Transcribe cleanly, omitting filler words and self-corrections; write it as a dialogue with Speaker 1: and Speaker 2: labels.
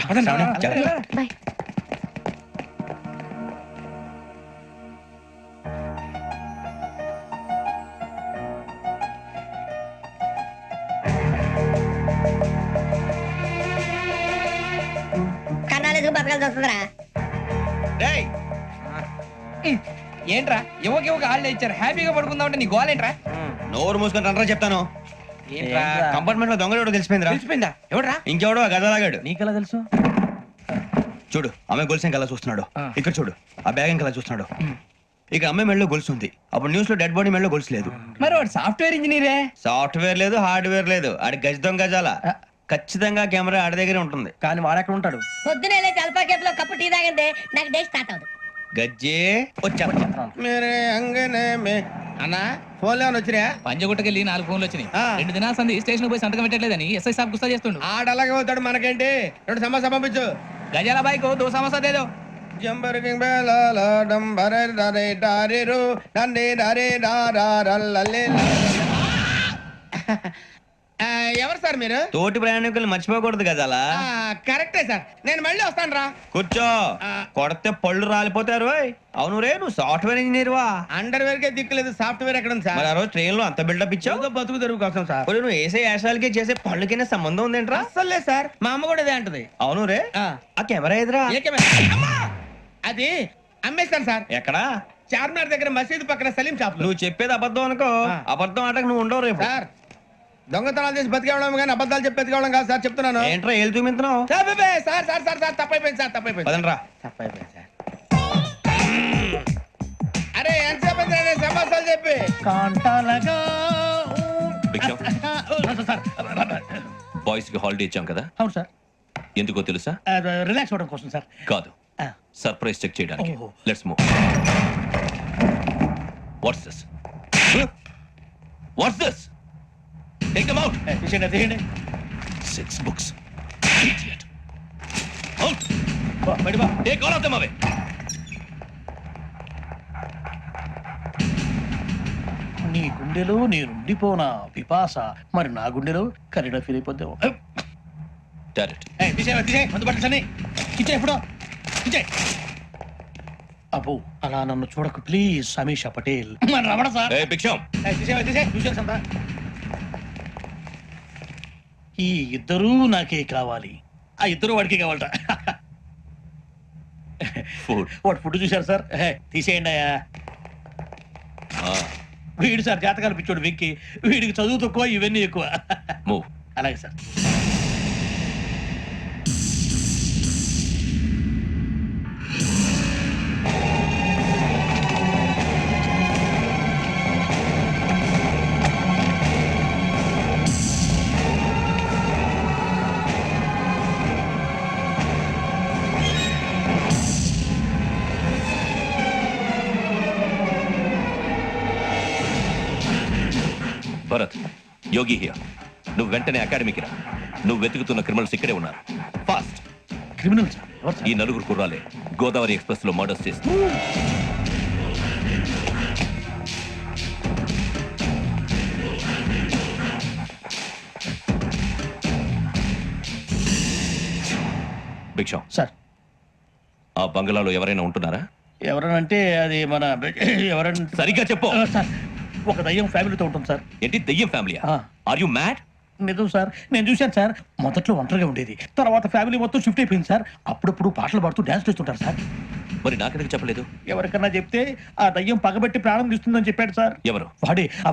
Speaker 1: Bye.
Speaker 2: కన్నాలేసుకు బతకాల్సి వస్తుందిరా.
Speaker 3: ఏంట్రా యువక holiday ఇచ్చారు హ్యాపీగా పడుకుందాం అంటే నీ గోలేంట్రా?
Speaker 4: నోరు మూసుకొని రండ్రా చెప్తాను.
Speaker 3: ఏంట్రా
Speaker 4: కంపార్ట్మెంట్ లో దొంగడు తెలిసిపోయిందిరా.
Speaker 3: తెలిసిపోయిందా? ఎవడ్రా?
Speaker 4: ఇంకెవడో గదలాగాడు.
Speaker 3: నీకెలా తెలుసు?
Speaker 4: చూడు ఆమె గొలుసు ఇంకలా చూస్తున్నాడు. ఇక్కడ చూడు ఆ బ్యాగ్ ఇంకలా చూస్తున్నాడు. ఇక అమ్మాయి మెడలో గొలుసు ఉంది. అప్పుడు న్యూస్ లో డెడ్ బాడీ మెడలో గొలుసు లేదు.
Speaker 3: మరి వాడు సాఫ్ట్వేర్ ఇంజనీరే.
Speaker 4: సాఫ్ట్వేర్ లేదు, హార్డ్వేర్ లేదు. ఆడి గజ దొంగ గజాల. ఖచ్చితంగా కెమెరా ఆడి దగ్గరే ఉంటుంది.
Speaker 3: కానీ వాడెక్కడ ఉంటాడు?
Speaker 2: పొద్దునే లేచి అల్ఫా కేఫ్ లో కప్పు టీ తాగిందే నాకు డే స్టార్ట్ అవుతుంది.
Speaker 4: గజ్జే వచ్చా
Speaker 5: అన్నా ఫోన్లో వచ్చినా
Speaker 3: పంజగుట్టకెళ్ళి 4 ఫోన్లు వచ్చినాయి. 2 దినాల సంది స్టేషన్ పోయి సంతకం పెట్టలేదని ఎస్ఐ సాబ్ గుస్తా చేస్తుండు.
Speaker 5: ఆడలాగే పోతాడు మనకేంటి. 2 సమస్య పంపించు.
Speaker 3: గజాల బైక్ 2 సమస్య దేదో.
Speaker 5: జంబరకింగ్ బేలాల డంబరే డరే డారిరు డండే డరే డారల్లలే. ఎవరు సార్ మీరు?
Speaker 4: తోటి ప్రయాణికులు మర్చిపోకూడదు గజాల.
Speaker 5: కరెక్టే సార్, నేను మళ్ళీ వస్తాను రా.
Speaker 4: కూర్చో. కొడితే పళ్ళు రాలిపోతారు. అవును రే, నువ్వు సాఫ్ట్వేర్ ఇంజనీర్ వా?
Speaker 5: అండర్వేర్ కే దిక్కులేదు, సాఫ్ట్వేర్ ఎక్కడ ఉంది సార్?
Speaker 4: మరి ఆ రోజు ట్రైన్ లో అంత బిల్డప్ ఇచ్చావు.
Speaker 5: బతుకు తెరువు కోసం సార్.
Speaker 4: ఇప్పుడు నువ్వు వేసే యాశాలకి చేసే పళ్ళకైనా సంబంధం ఉందేంట్రా?
Speaker 5: అస్సలు లేదు సార్, మా అమ్మ కూడా అదే అంటది.
Speaker 4: అవును రే, ఆ కెమెరా ఎదురా
Speaker 5: అమ్మా! అది అమ్మేస్తాను సార్.
Speaker 4: ఎక్కడా?
Speaker 5: చార్మినార్ దగ్గర మసీదు పక్కన సలీం షాప్ లో.
Speaker 4: నువ్వు చెప్పేది అబద్ధం అనుకో. అబద్ధం ఆటకు నువ్వు ఉండవు రేపు.
Speaker 5: సార్ దొంగతనాలు చేసి బతికేవడం కానీ అబద్ధాలు చెప్పి బతికేవడం కాదు సార్, చెప్తున్నాను.
Speaker 4: ఏంట్రా ఏళ్ళు చూపించినావు?
Speaker 5: Sir sir sir sir sir తప్పైపోయింది సార్, తప్పైపోయింది.
Speaker 4: పదండ్రా.
Speaker 5: తప్పైపోయింది సార్. అరే ఎంతసేపు సమాసాలు చెప్పి
Speaker 6: కాంటాలగా
Speaker 7: బాయ్స్ కి హాలిడే ఇచ్చాం కదా,
Speaker 6: అవును సార్.
Speaker 7: ఎందుకో తెలుసా?
Speaker 6: రిలాక్స్ అవ్వడం కోసం సార్.
Speaker 7: కాదు, సర్ప్రైజ్ చెక్ చేయడానికి.
Speaker 6: ఓహో.
Speaker 7: Let's move. What's this? What's this? Take them out.
Speaker 6: తీయండి.
Speaker 7: 6 books. Idiot. Out. Take all of them away.
Speaker 6: నీ గుండెలో నేనుండిపోనా పిపాస, మరి నా గుండెలో కరీడా ఫీల్ అయిపోద్దాం.
Speaker 7: Direct.
Speaker 6: ఎప్పుడో అబ్బో అలా నన్ను చూడకు please. Samisha Patel Ramana sir.
Speaker 7: Hey, Big Sham.
Speaker 6: ఈ ఇద్దరూ నాకే కావాలి, ఆ ఇద్దరు వాడికి కావాలట.
Speaker 7: Food.
Speaker 6: వాడు ఫుడ్ చూశారు సార్. తీసేయండి అయ్యా. వీడు సార్ జాతకాలు పిచ్చోడు వెక్కి, వీడికి చదువు తక్కువ ఇవన్నీ ఎక్కువ.
Speaker 7: Move.
Speaker 6: అలాగే సార్.
Speaker 7: Bharat, Yogi here. నువ్వు వెంటనే అకాడమీకి రా. నువ్వు వెతుకుతున్న క్రిమినల్స్ ఇక్కడే ఉన్నారు. ఫాస్ట్.
Speaker 6: Criminal sir? ఎవరు సార్?
Speaker 7: ఈ 4 కుర్రాలే గోదావరి ఎక్స్ప్రెస్ లో మర్డర్స్ చేసి. భిక్షం
Speaker 6: సార్
Speaker 7: ఆ బంగ్లాలో ఎవరైనా ఉంటున్నారా?
Speaker 6: ఎవరనంటే అది మన ఎవరంటే
Speaker 7: సరిగ్గా చెప్పు.
Speaker 6: సార్ ఒక దయ్యం ఫ్యామిలీతో ఉంటుంది సార్.
Speaker 7: ఏంటి దెయ్యం ఫ్యామిలీ? Are you mad?
Speaker 6: నిజం సార్, నేను చూశాను సార్. మొదట్లో ఒంటరిగా ఉండేది, తర్వాత ఫ్యామిలీ మొత్తం షిఫ్ట్ అయిపోయింది సార్. అప్పుడప్పుడు పాటలు పాడుతూ డాన్స్ చేస్తుంటారు సార్.
Speaker 7: మరి నాకెందుకు చెప్పలేదు?
Speaker 6: ఎవరికన్నా చెప్తే ఆ దయ్యం పగబెట్టి ప్రాణం తీస్తుందని చెప్పాడు సార్.
Speaker 7: ఎవరు?
Speaker 6: వాడే.